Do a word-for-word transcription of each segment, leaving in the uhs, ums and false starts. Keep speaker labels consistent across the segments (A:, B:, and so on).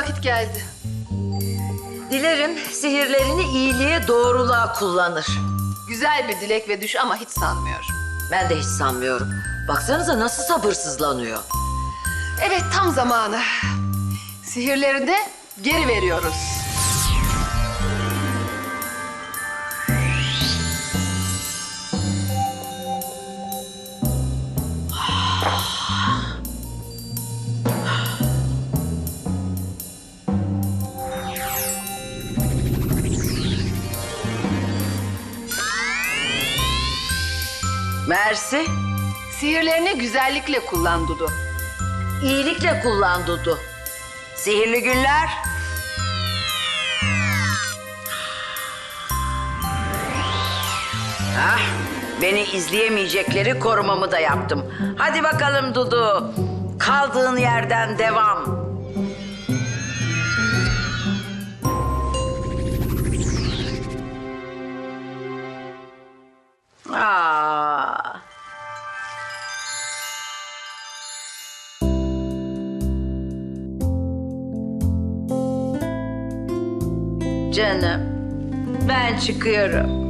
A: vakit geldi.
B: Dilerim sihirlerini iyiliğe, doğruluğa kullanır.
A: Güzel bir dilek ve düş ama hiç sanmıyorum.
B: Ben de hiç sanmıyorum. Baksanıza nasıl sabırsızlanıyor.
A: Evet, tam zamanı. Sihirleri de geri veriyoruz.
B: Mersi,
A: Sihirlerini güzellikle kullan Dudu.
B: iyilikle kullan Dudu. Sihirli günler. Ah, beni izleyemeyecekleri korumamı da yaptım. Hadi bakalım Dudu. Kaldığın yerden devam. Aa. Canım, ben çıkıyorum.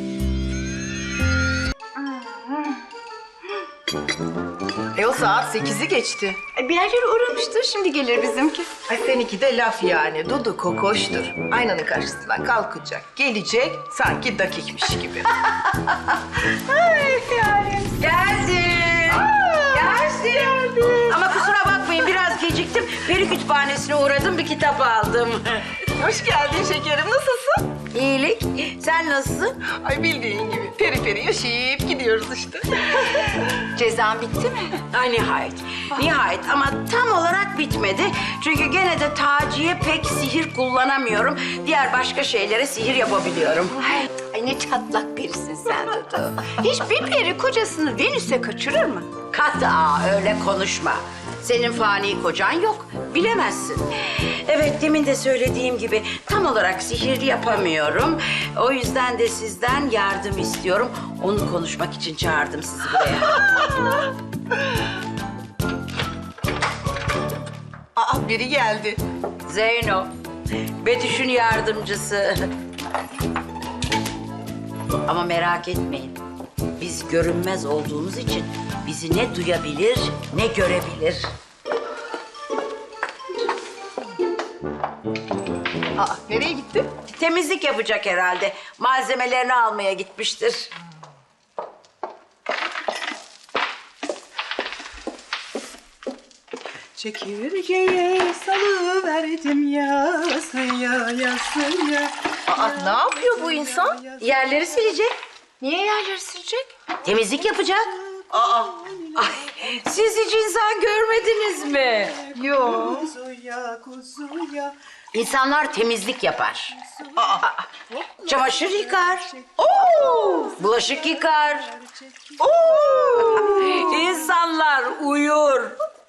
C: E o saat sekizi geçti.
D: Bir yerlere uğramıştır, şimdi gelir bizimki.
C: Ay seninki de laf yani. Dudu kokoştur. Aynanın karşısından kalkacak, gelecek sanki dakikmiş gibi.
B: Geldim. Geldim. Ama kusura bakmayın biraz geciktim. Peri kütüphanesine uğradım, bir kitap aldım.
C: Hoş geldin şekerim. Nasılsın?
B: İyilik. Sen nasılsın?
C: Ay bildiğin gibi peri peri yaşayıp gidiyoruz işte.
D: Cezan bitti mi?
B: Ay nihayet. Nihayet ama tam olarak bitmedi. Çünkü gene de Taci'ye pek sihir kullanamıyorum. Diğer başka şeylere sihir yapabiliyorum.
D: Ay, ay ne çatlak birisin sen Dudu. Hiçbir peri kocasını Venüs'e kaçırır mı?
B: Kata öyle konuşma. Senin fani kocan yok. Bilemezsin. Evet demin de söylediğim gibi tam olarak sihir yapamıyorum. O yüzden de sizden yardım istiyorum. Onu konuşmak için çağırdım sizi buraya.
C: Aa biri geldi.
B: Zeyno, Betüş'ün yardımcısı. Ama merak etmeyin. Biz görünmez olduğumuz için bizi ne duyabilir ne görebilir.
C: Aa nereye gitti?
B: Temizlik yapacak herhalde. Malzemelerini almaya gitmiştir.
E: Çekirgeye salıverdim yasıya yasıya.
C: Aa ne yapıyor bu insan?
B: Yerleri silecek.
D: Niye yerleri silecek?
B: Temizlik yapacak.
C: Aa
B: Ay, siz hiç insan görmediniz mi?
C: yok.
E: Kuzuya kuzuya.
B: İnsanlar temizlik yapar.
C: Aa
B: Çamaşır yıkar. Oo! Bulaşık yıkar. Oo! İnsanlar uyur.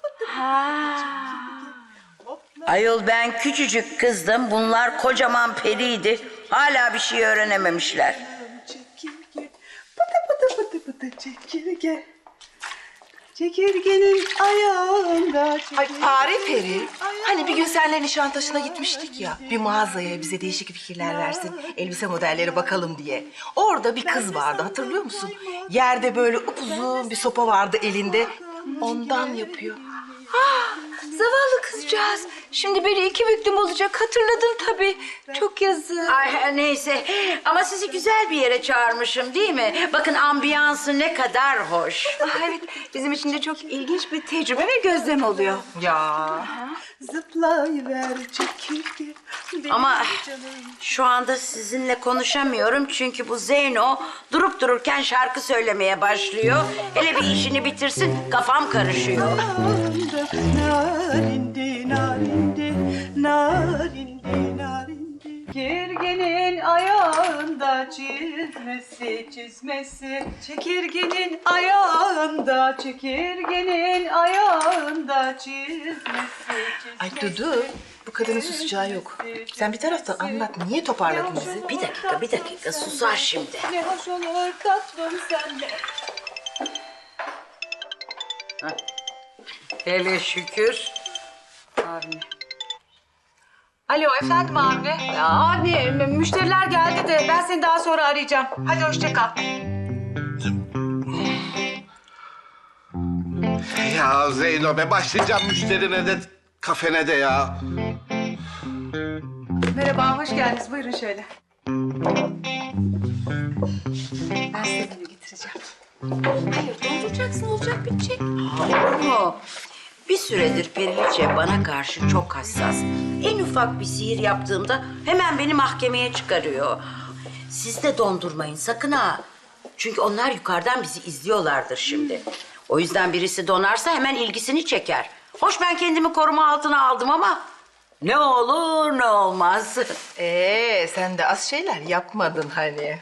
B: Ayol ben küçücük kızdım. Bunlar kocaman periydi. Hala bir şey öğrenememişler.
E: Çekirge. Pıtı pıtı pıtı pıtı çekirge. Çekirgenin ayağında çekirge.
C: Ay Fare Peri, hani bir gün seninle Nişantaşı'na gitmiştik ya, bir mağazaya bize değişik fikirler versin, elbise modelleri bakalım diye. Orada bir kız vardı, hatırlıyor musun? Yerde böyle upuzun bir sopa vardı elinde, ondan yapıyor.
D: Zavallı kızcağız. Şimdi beni iki büklüm olacak. Hatırladım tabii. Çok yazık.
B: Ay neyse ama sizi güzel bir yere çağırmışım değil mi? Bakın ambiyansı ne kadar hoş.
D: Ah, evet, bizim için de çok ilginç bir tecrübe ve gözlem oluyor.
C: Ya.
E: Zıplayıver çekirge. Benim
B: Ama
E: canım.
B: şu anda sizinle konuşamıyorum çünkü bu Zeyno durup dururken şarkı söylemeye başlıyor. Hele bir işini bitirsin kafam karışıyor.
E: Narindi, narindi, narindi, narindi. Çekirgenin ayağında çizmesi, çizmesi. Çekirgenin ayağında, çekirgenin ayağında çizmesi, çizmesi.
C: Ay Dudu, bu kadının susacağı yok. Sen bir taraftan anlat, niye toparladın bizi?
B: Bir dakika bir dakika susar şimdi.
E: Ne hoş olur tatlım sende.
B: Hele şükür.
F: Alo efendim Avni. Ya Avni mü- müşteriler geldi de ben seni daha sonra arayacağım. Hadi hoşça kal.
G: Ya Zeyno be başlayacağım müşterine de kafene de ya.
F: Merhaba, hoş geldiniz. Buyurun şöyle. Ben size menü getireceğim.
D: Hayır dolduracaksın olacak bitecek.
B: Olur mu? Bir süredir Periliçe bana karşı çok hassas. En ufak bir sihir yaptığımda hemen beni mahkemeye çıkarıyor. Siz de dondurmayın sakın ha. Çünkü onlar yukarıdan bizi izliyorlardır şimdi. O yüzden birisi donarsa hemen ilgisini çeker. Hoş ben kendimi koruma altına aldım ama ne olur ne olmaz.
C: Ee, sen de az şeyler yapmadın hani.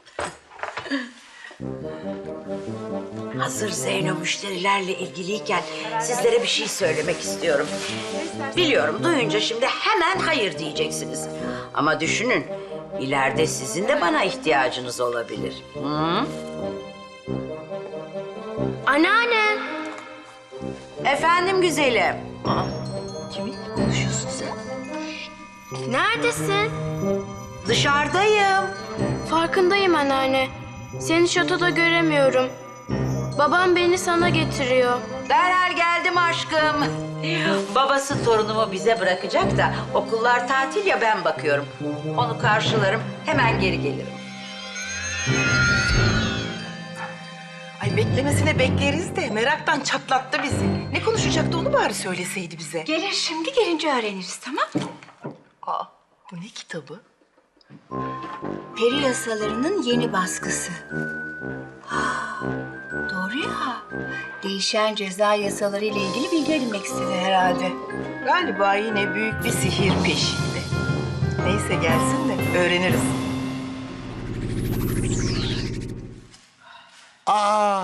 B: Hazır Zeyno müşterilerle ilgiliyken sizlere bir şey söylemek istiyorum. Biliyorum duyunca şimdi hemen hayır diyeceksiniz. Ama düşünün ileride sizin de bana ihtiyacınız olabilir. Hı?
D: Anneanne.
B: Efendim güzelim.
C: Kiminle konuşuyorsun sen?
D: Neredesin?
B: Dışarıdayım.
H: Farkındayım anneanne. Seni şatoda göremiyorum. Babam beni sana getiriyor.
B: Derhal geldim aşkım. Babası torunumu bize bırakacak da okullar tatil ya ben bakıyorum. Onu karşılarım hemen geri gelirim.
C: Ay beklemesine bekleriz de meraktan çatlattı bizi. Ne konuşacaktı onu bari söyleseydi bize.
D: Gelir şimdi gelince öğreniriz tamam mı?
C: Aa, bu ne kitabı?
D: Peri yasalarının yeni baskısı. Ah, doğru ya. Değişen ceza yasaları ile ilgili bilgi edinmek istedi herhalde.
C: Galiba yine büyük bir sihir peşinde. Neyse gelsin de öğreniriz.
I: Aa,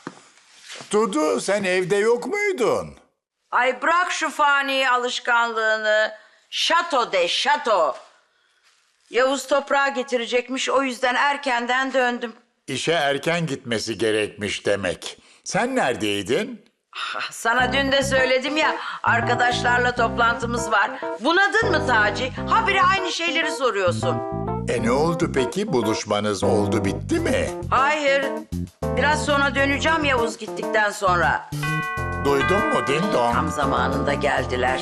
I: Dudu sen evde yok muydun?
B: Ay bırak şu fani alışkanlığını. Şato de şato. Yavuz toprağı getirecekmiş o yüzden erkenden döndüm.
I: İşe erken gitmesi gerekmiş demek. Sen neredeydin?
B: Ah, sana dün de söyledim ya arkadaşlarla toplantımız var. Bunadın mı Taci? Habire aynı şeyleri soruyorsun.
I: E ne oldu peki? Buluşmanız oldu bitti mi?
B: Hayır. Biraz sonra döneceğim Yavuz gittikten sonra.
I: Duydun mu ding
B: Tam
I: dong?
B: zamanında geldiler.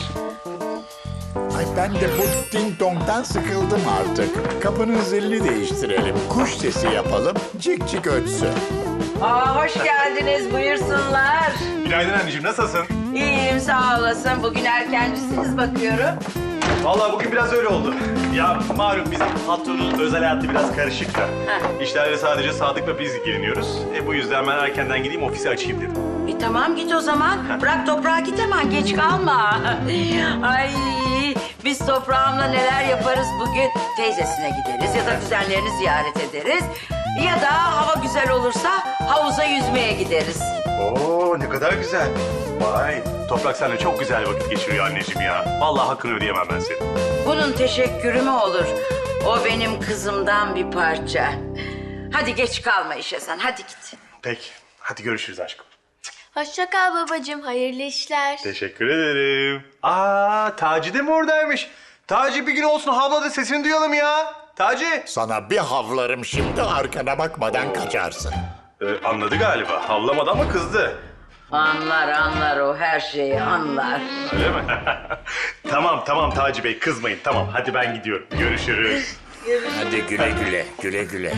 I: Ay ben de bu ding dong'dan sıkıldım artık. Kapının zilini değiştirelim. Kuş sesi yapalım. Cik cik ötsün.
B: Aa, hoş geldiniz buyursunlar.
J: Günaydın anneciğim, nasılsın?
B: İyiyim sağ olasın. Bugün erkencisiniz bakıyorum.
J: Vallahi bugün biraz öyle oldu. Ya malum bizim patronun özel hayatı biraz karışık da. İşlerle sadece Sadık'la biz ilgileniyoruz. E bu yüzden ben erkenden gideyim ofisi açayım dedim.
B: E tamam git o zaman. Bırak toprağa git hemen geç kalma. Ay biz toprağımla neler yaparız bugün? Teyzesine gideriz ya da kuzenlerini ziyaret ederiz. Ya da hava güzel olursa havuza yüzmeye gideriz.
J: Oo ne kadar güzel. Vay, Toprak seninle çok güzel vakit geçiriyor anneciğim ya. Vallahi hakkını ödeyemem ben senin.
B: Bunun teşekkürü mü olur? O benim kızımdan bir parça. Hadi geç kalma işe sen hadi git.
J: Peki, hadi görüşürüz aşkım.
H: Hoşça kal babacığım. Hayırlı işler.
J: Teşekkür ederim. Aa, Taci de mi oradaymış? Taci bir gün olsun havla da sesini duyalım ya. Taci.
I: Sana bir havlarım şimdi arkana bakmadan kaçarsın.
J: Ee, anladı galiba. Havlamadı ama kızdı.
B: Anlar anlar o her şeyi anlar.
J: Öyle mi? Tamam tamam Taci Bey kızmayın. Tamam hadi ben gidiyorum. Görüşürüz.
I: Hadi güle güle, güle güle.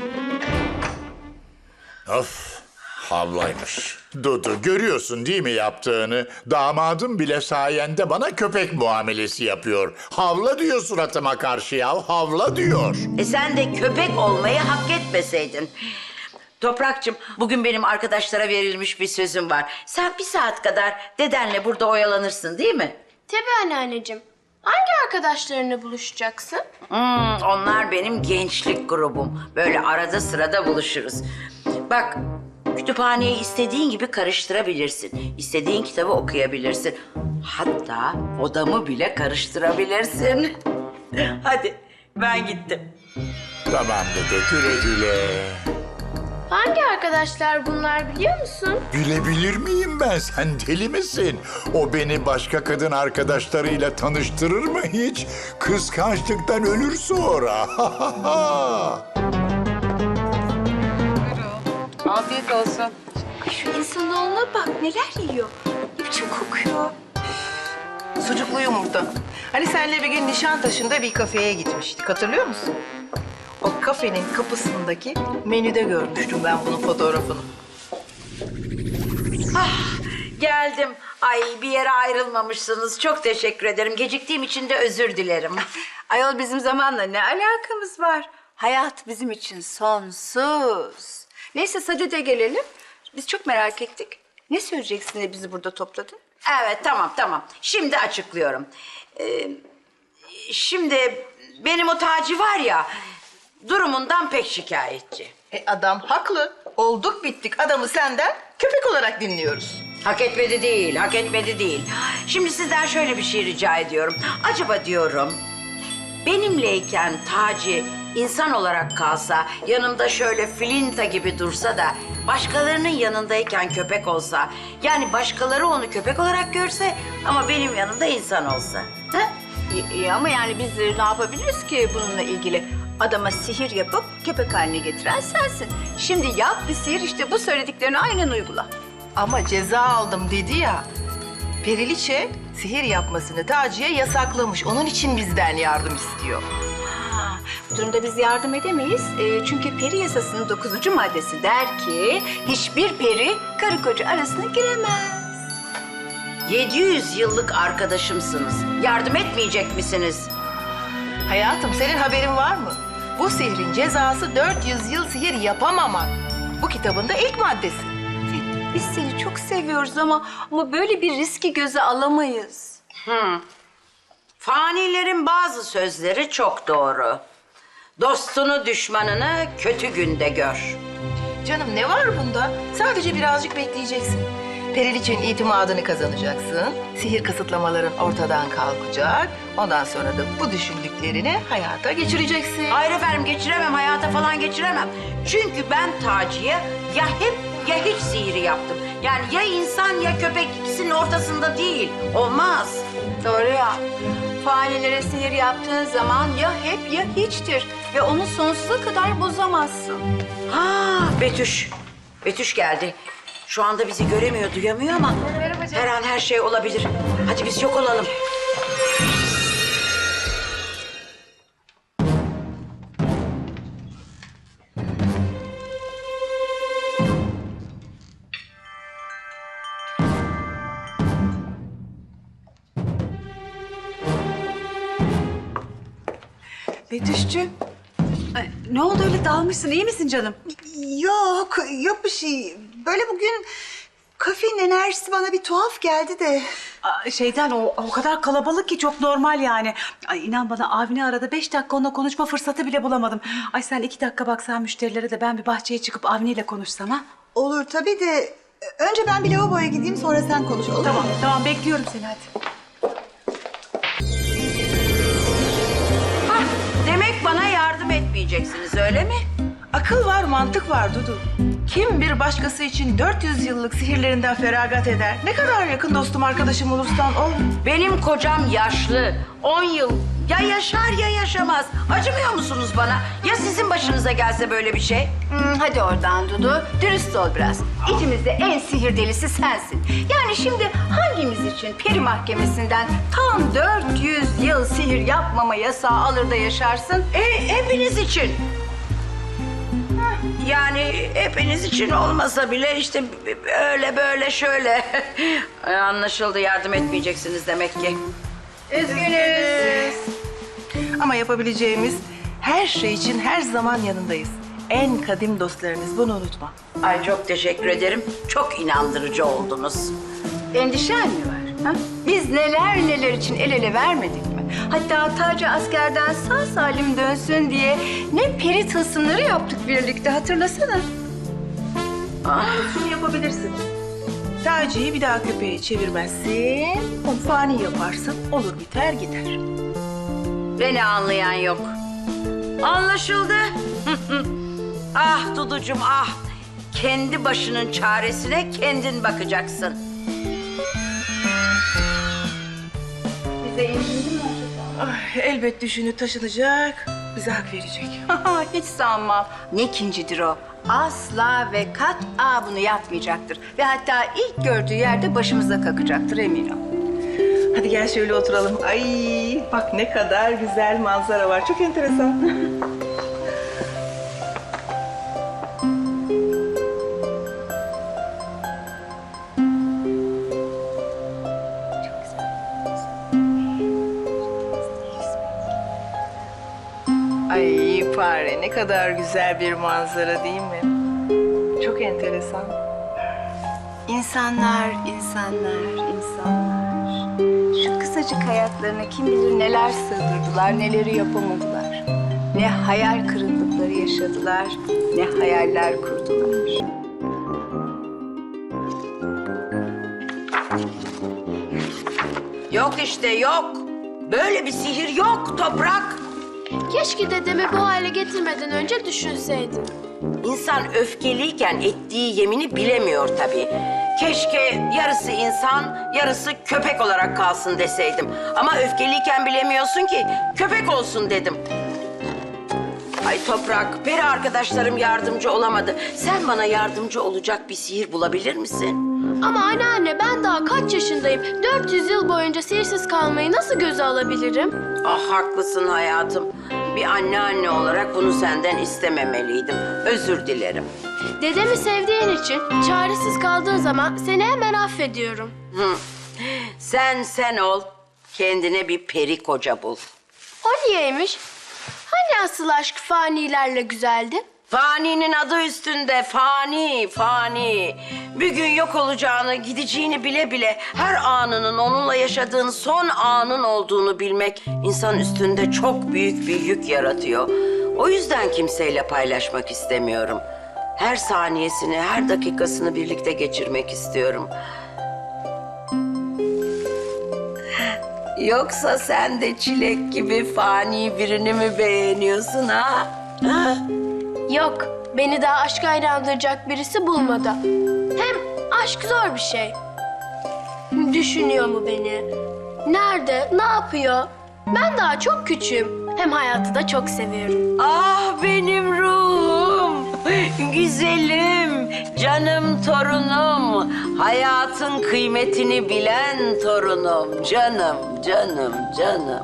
I: Of, havlaymış. Dudu, görüyorsun değil mi yaptığını? Damadım bile sayende bana köpek muamelesi yapıyor. Havla diyor suratıma karşı ya, havla diyor.
B: E sen de köpek olmayı hak etmeseydin. Toprakçım, bugün benim arkadaşlara verilmiş bir sözüm var. Sen bir saat kadar dedenle burada oyalanırsın değil mi?
H: Tabii anneanneciğim. Hangi arkadaşlarınla buluşacaksın?
B: Hmm, onlar benim gençlik grubum. Böyle arada sırada buluşuruz. Bak, kütüphaneyi istediğin gibi karıştırabilirsin. İstediğin kitabı okuyabilirsin. Hatta odamı bile karıştırabilirsin. Hadi, ben gittim.
I: Tamam Dudu, güle güle.
H: Hangi arkadaş arkadaşlar bunlar biliyor musun?
I: Bilebilir miyim ben? Sen deli misin? O beni başka kadın arkadaşlarıyla tanıştırır mı hiç? Kıskançlıktan ölür sonra.
F: Afiyet olsun.
D: Şu insanoğluna bak neler yiyor. Ne biçim kokuyor.
C: Sucuklu yumurta. Hani senle bir gün Nişantaşı'nda bir kafeye gitmiştik. Hatırlıyor musun? O kafenin kapısındaki menüde görmüştüm ben bunun fotoğrafını.
B: Geldim. Ay bir yere ayrılmamışsınız. Çok teşekkür ederim. Geciktiğim için de özür dilerim.
F: Ayol bizim zamanla ne alakamız var? Hayat bizim için sonsuz. Neyse Sadede gelelim. Biz çok merak ettik. Ne söyleyeceksin de bizi burada topladın?
B: Evet tamam tamam. Şimdi açıklıyorum. Ee, şimdi benim o Taci var ya durumundan pek şikayetçi.
C: E adam haklı. Olduk bittik. Adamı senden köpek olarak dinliyoruz.
B: Hak etmedi değil, hak etmedi değil. Şimdi sizden şöyle bir şey rica ediyorum. Acaba diyorum, benimleyken Taci insan olarak kalsa, yanımda şöyle filinta gibi dursa da başkalarının yanındayken köpek olsa, yani başkaları onu köpek olarak görse ama benim yanımda insan olsa. Ha?
F: İyi, iyi ama yani biz de ne yapabiliriz ki bununla ilgili? Adama sihir yapıp köpek haline getiren sensin. Şimdi yap bir sihir işte bu söylediklerini aynen uygula.
C: Ama ceza aldım dedi ya. Periliçe sihir yapmasını Taci'ye yasaklamış. Onun için bizden yardım istiyor.
F: Ha, bu durumda biz yardım edemeyiz. Ee, çünkü peri yasasının dokuzuncu maddesi der ki hiçbir peri karı koca arasına giremez.
B: yedi yüz yıllık arkadaşımsınız. Yardım etmeyecek misiniz?
C: Hayatım senin haberin var mı? Bu sihrin cezası dört yüz yıl sihir yapamamak. Bu kitabın da ilk maddesi.
F: Biz seni çok seviyoruz ama ama böyle bir riski göze alamayız.
B: Hı. Fanilerin bazı sözleri çok doğru. Dostunu düşmanını kötü günde gör.
C: Canım ne var bunda? Sadece birazcık bekleyeceksin. Periliçe'nin itimadını kazanacaksın. Sihir kısıtlamaların ortadan kalkacak. Ondan sonra da bu düşündüklerini hayata geçireceksin.
B: Hayır efendim geçiremem, hayata falan geçiremem. Çünkü ben Taci'ye ya hep ya hiç sihiri yaptım. Yani ya insan ya köpek ikisinin ortasında değil. Olmaz.
F: Doğru ya. Fanilere sihir yaptığın zaman ya hep ya hiçtir. Ve onu sonsuza kadar bozamazsın.
B: Ha Betüş. Betüş geldi. Şu anda bizi göremiyor, duyamıyor ama her an her şey olabilir. Hadi biz yok olalım.
F: Betüş'cüğüm. Ay, ne oldu öyle dalmışsın? İyi misin canım?
E: Yok, yok bir şey. Böyle bugün kafenin enerjisi bana bir tuhaf geldi de.
F: Aa, Şeyden o, o kadar kalabalık ki çok normal yani. Ay inan bana Avni arada beş dakika onunla konuşma fırsatı bile bulamadım. Ay sen iki dakika baksan müşterilere de ben bir bahçeye çıkıp Avni ile konuşsam ha?
E: Olur tabii de önce ben bir lavaboya gideyim sonra sen konuş olur
F: Tamam
E: mu?
F: tamam bekliyorum seni hadi.
B: Hah, demek bana yardım etmeyeceksiniz öyle mi?
C: Akıl var, mantık var Dudu. Kim bir başkası için dört yüz yıllık sihirlerinden feragat eder? Ne kadar yakın dostum, arkadaşım olursan ol.
B: Benim kocam yaşlı. On yıl ya yaşar ya yaşamaz. Acımıyor musunuz bana? Ya sizin başınıza gelse böyle bir şey?
F: Hmm, hadi oradan Dudu. Dürüst ol biraz. İçimizde en sihir delisi sensin. Yani şimdi hangimiz için peri mahkemesinden tam dört yüz yıl sihir yapmama yasağı alır da yaşarsın?
B: E, hepiniz için. Yani hepiniz için olmasa bile işte öyle böyle şöyle. Anlaşıldı, yardım etmeyeceksiniz demek ki.
C: Üzgünüz. Ama yapabileceğimiz her şey için her zaman yanındayız. En kadim dostlarınız, bunu unutma.
B: Ay çok teşekkür ederim. Çok inandırıcı oldunuz.
F: Endişen mi var? Ha? Biz neler neler için el ele vermedik mi? Hatta Taci askerden sağ salim dönsün diye ne peri tılsımları yaptık birlikte, hatırlasana.
C: Ah, şunu yapabilirsin. Taci'yi bir daha köpeğe çevirmezsin. Onu fani yaparsın, olur biter gider.
B: Beni anlayan yok. Anlaşıldı. Ah Duducuğum ah. kendi başının çaresine kendin bakacaksın.
F: Bize indin mi acaba?
C: Ay, elbet düşünüp taşınacak, bize hak verecek.
F: Hiç sanmam. Ne kincidir o? Asla ve kat'a bunu yapmayacaktır. Ve hatta ilk gördüğü yerde başımıza kakacaktır eminim.
C: Hadi gel şöyle oturalım. Ay bak ne kadar güzel manzara var. Çok enteresan. Ay fare ne kadar güzel bir manzara değil mi? Çok enteresan.
F: İnsanlar, insanlar, insanlar. Şu kısacık hayatlarına kim bilir neler sığdırdılar, neleri yapamadılar. Ne hayal kırıklıkları yaşadılar, ne hayaller kurdular.
B: Yok işte yok. Böyle bir sihir yok Toprak.
H: Keşke dedemi bu hale getirmeden önce düşünseydim.
B: İnsan öfkeliyken ettiği yemini bilemiyor tabii. Keşke yarısı insan, yarısı köpek olarak kalsın deseydim. Ama öfkeliyken bilemiyorsun ki köpek olsun dedim. Ay Toprak, peri arkadaşlarım yardımcı olamadı. Sen bana yardımcı olacak bir sihir bulabilir misin?
H: Ama anneanne ben daha kaç yaşındayım? dört yüz yıl boyunca sihirsiz kalmayı nasıl göze alabilirim?
B: Ah haklısın hayatım. Bir anneanne olarak bunu senden istememeliydim. Özür dilerim.
H: Dedemi sevdiğin için çaresiz kaldığın zaman seni hemen affediyorum.
B: Hı. Sen sen ol. Kendine bir peri koca bul.
H: O niyeymiş? Hani asıl aşk fanilerle güzeldi?
B: Fani'nin adı üstünde. Fani, fani. Bir gün yok olacağını, gideceğini bile bile her anının onunla yaşadığın son anın olduğunu bilmek insan üstünde çok büyük bir yük yaratıyor. O yüzden kimseyle paylaşmak istemiyorum. Her saniyesini, her dakikasını birlikte geçirmek istiyorum. Yoksa sen de Çilek gibi fani birini mi beğeniyorsun ha? Ha?
H: Yok, beni daha aşka inandıracak birisi bulmadı. Hem aşk zor bir şey. Düşünüyor mu beni? Nerede, ne yapıyor? Ben daha çok küçüğüm. Hem hayatı da çok seviyorum.
B: Ah benim ruhum, güzelim, canım torunum, hayatın kıymetini bilen torunum, canım, canım, canım.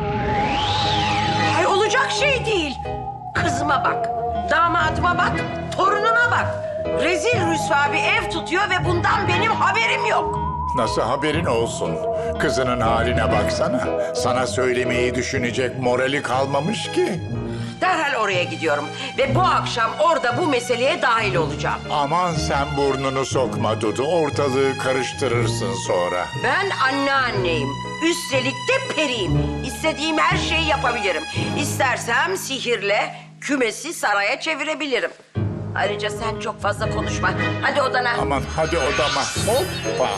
B: Ay olacak şey değil. Kızıma bak, damadıma bak, torunuma bak. Rezil rüsva bir ev tutuyor ve bundan benim haberim yok.
I: Nasıl haberin olsun? Kızının haline baksana. Sana söylemeyi düşünecek morali kalmamış ki.
B: Derhal oraya gidiyorum ve bu akşam orada bu meseleye dahil olacağım.
I: Aman sen burnunu sokma Dudu. Ortalığı karıştırırsın sonra.
B: Ben anneanneyim. Üstelik de periyim. İstediğim her şeyi yapabilirim. İstersem sihirle kümesi saraya çevirebilirim. Ayrıca sen çok fazla konuşma. Hadi odana.
I: Aman hadi odama. Hoppa.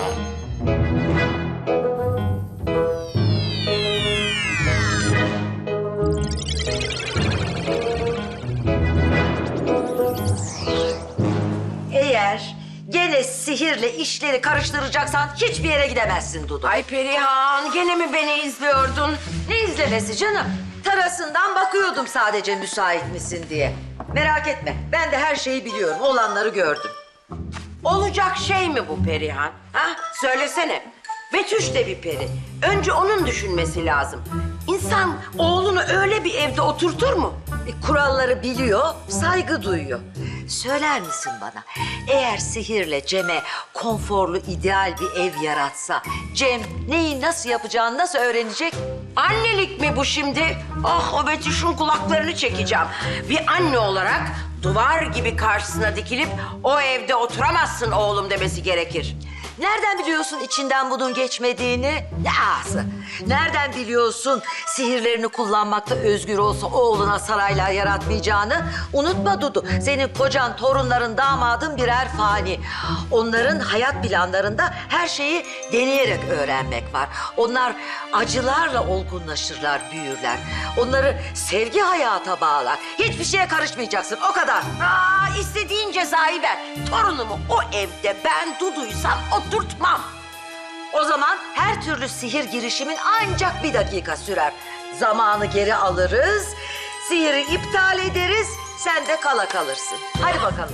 K: Eğer gene sihirle işleri karıştıracaksan hiçbir yere gidemezsin Dudu.
B: Ay Perihan, gene mi beni izliyordun?
K: Ne izlemesi canım? Terasından bakıyordum sadece müsait misin diye. Merak etme, ben de her şeyi biliyorum, olanları gördüm.
B: Olacak şey mi bu Perihan? Ha? Söylesene. Betüş de bir peri. Önce onun düşünmesi lazım. İnsan oğlunu öyle bir evde oturtur mu?
K: E, kuralları biliyor, saygı duyuyor. Söyler misin bana, eğer sihirle Cem'e konforlu, ideal bir ev yaratsa... Cem neyi nasıl yapacağını nasıl öğrenecek?
B: Annelik mi bu şimdi? Ah o Betüş'ün kulaklarını çekeceğim. Bir anne olarak duvar gibi karşısına dikilip o evde oturamazsın oğlum demesi gerekir.
K: Nereden biliyorsun içinden bunun geçmediğini? Ne ağzı? Nereden biliyorsun sihirlerini kullanmakta özgür olsa oğluna saraylar yaratmayacağını? Unutma Dudu, senin kocan, torunların, damadın birer fani. Onların hayat planlarında her şeyi deneyerek öğrenmek var. Onlar acılarla olgunlaşırlar, büyürler. Onları sevgi hayata bağlar. Hiçbir şeye karışmayacaksın, o kadar.
B: Aa, istediğin cezayı ver. Torunumu o evde ben Dudu'ysam oturtmam.
K: O zaman her türlü sihir girişimin ancak bir dakika sürer. Zamanı geri alırız, sihiri iptal ederiz, sen de kala kalırsın. Hadi bakalım.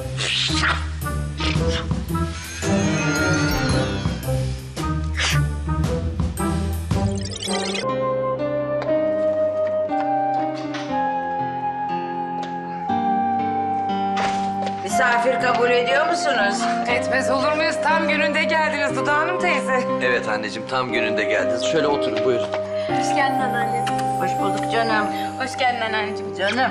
B: Misafir kabul ediyor musunuz?
L: Etmez olur muyuz? Tam gününde geldiniz Dudu Hanım teyze.
M: Evet anneciğim, tam gününde geldiniz. Şöyle oturun, buyurun.
H: Hoş geldin anneanne.
B: Hoş bulduk canım.
F: Hoş geldin anneanneciğim.
B: Canım.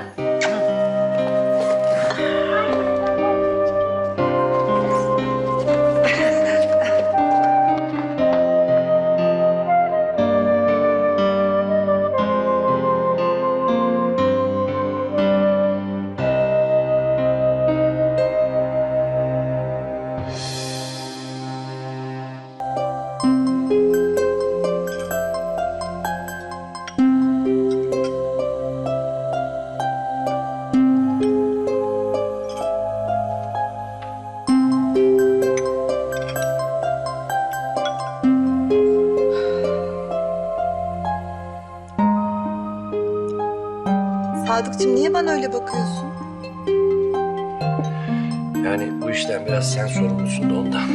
E: Sadıkçım niye bana öyle bakıyorsun?
M: Yani bu işten biraz sen sorumlusun da ondan.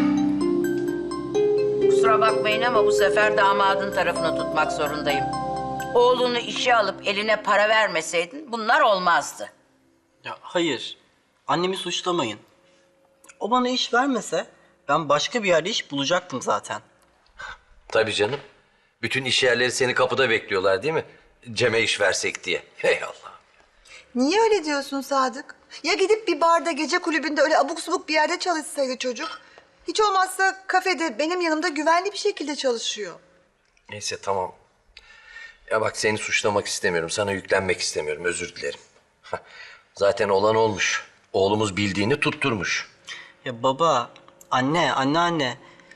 B: Kusura bakmayın ama bu sefer damadın tarafını tutmak zorundayım. Oğlunu işe alıp eline para vermeseydin bunlar olmazdı.
N: Ya hayır. Annemi suçlamayın. O bana iş vermese ben başka bir yerde iş bulacaktım zaten.
M: Tabii canım. Bütün iş yerleri seni kapıda bekliyorlar değil mi? Cem'e iş versek diye. Hey Allah.
E: Niye öyle diyorsun Sadık? Ya gidip bir barda, gece kulübünde öyle abuk subuk bir yerde çalışsaydı çocuk? Hiç olmazsa kafede benim yanımda güvenli bir şekilde çalışıyor.
M: Neyse tamam. Ya bak seni suçlamak istemiyorum. Sana yüklenmek istemiyorum. Özür dilerim. Zaten olan olmuş. Oğlumuz bildiğini tutturmuş.
N: Ya baba, anne, anneanne.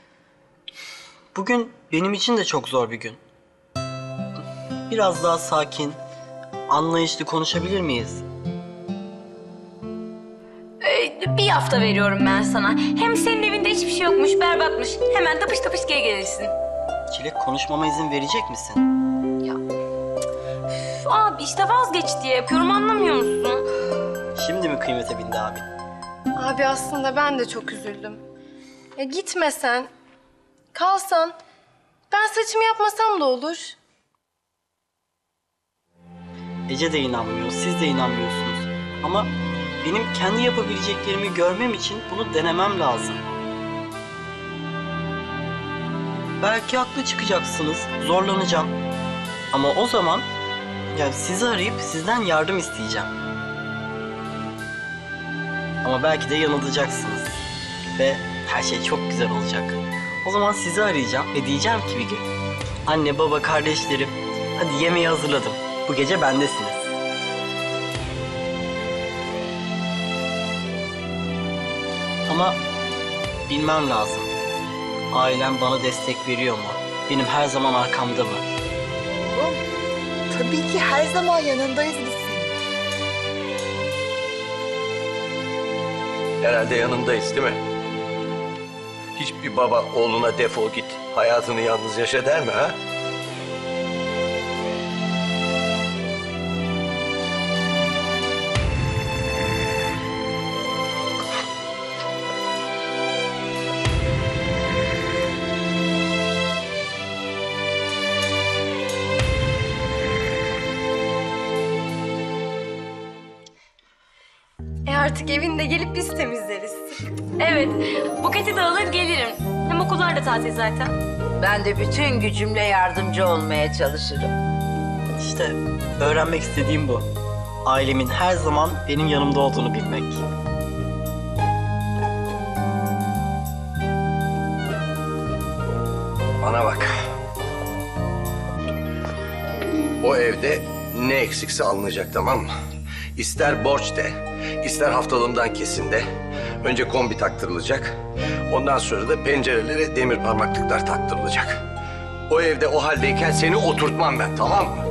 N: Bugün benim için de çok zor bir gün. Biraz daha sakin, anlayışlı konuşabilir miyiz?
F: Ee, bir hafta veriyorum ben sana. Hem senin evinde hiçbir şey yokmuş, berbatmış. Hemen tapış tapış geri gelirsin.
N: Çilek, konuşmama izin verecek misin?
F: Üf, abi işte vazgeç diye yapıyorum, anlamıyor musun?
N: Şimdi mi kıymete bindi abi?
H: Abi aslında ben de çok üzüldüm. Ya gitmesen, kalsan, ben saçımı yapmasam da olur.
N: Ece de inanmıyor, siz de inanmıyorsunuz. Ama benim kendi yapabileceklerimi görmem için bunu denemem lazım. Belki haklı çıkacaksınız, zorlanacağım. Ama o zaman ya sizi arayıp sizden yardım isteyeceğim. Ama belki de yanılacaksınız. Ve her şey çok güzel olacak. O zaman sizi arayacağım ve diyeceğim ki bir gün: anne, baba, kardeşlerim, hadi yemeği hazırladım. Bu gece bendesiniz. Ama bilmem lazım. Ailem bana destek veriyor mu? Benim her zaman arkamda mı?
E: Oğlum, tabii ki her zaman yanındayız biz senin.
M: Herhalde yanındayız değil mi? Hiçbir baba oğluna defol git, hayatını yalnız yaşa der mi ha?
H: E artık evinde gelip biz temizleriz.
F: Evet, Buket'i de alır gelirim. Hem okullar da tatil zaten.
B: Ben de bütün gücümle yardımcı olmaya çalışırım.
N: İşte öğrenmek istediğim bu. Ailemin her zaman benim yanımda olduğunu bilmek.
M: Bana bak. evde ne eksikse alınacak, tamam mı? İster borç de, ister haftalığımdan kesin de. Önce kombi taktırılacak. Ondan sonra da pencerelere demir parmaklıklar taktırılacak. O evde o haldeyken seni oturtmam ben, tamam mı?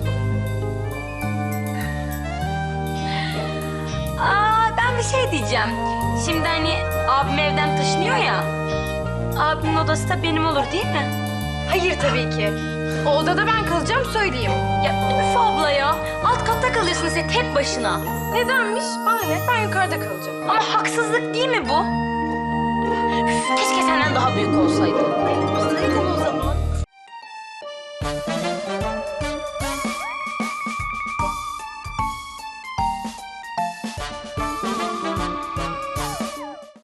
O: Aa, ben bir şey diyeceğim. Şimdi hani abim evden taşınıyor ya. Abimin odası da benim olur değil mi?
D: Hayır tabii ki. O odada ben kalacağım söyleyeyim.
O: Ya üf abla ya. Alt katta kalıyorsun sen tek başına.
D: Nedenmiş? Bana ne? Ben yukarıda kalacağım.
O: Ama haksızlık değil mi bu? Üf, keşke senden daha büyük olsaydım.
D: Saydım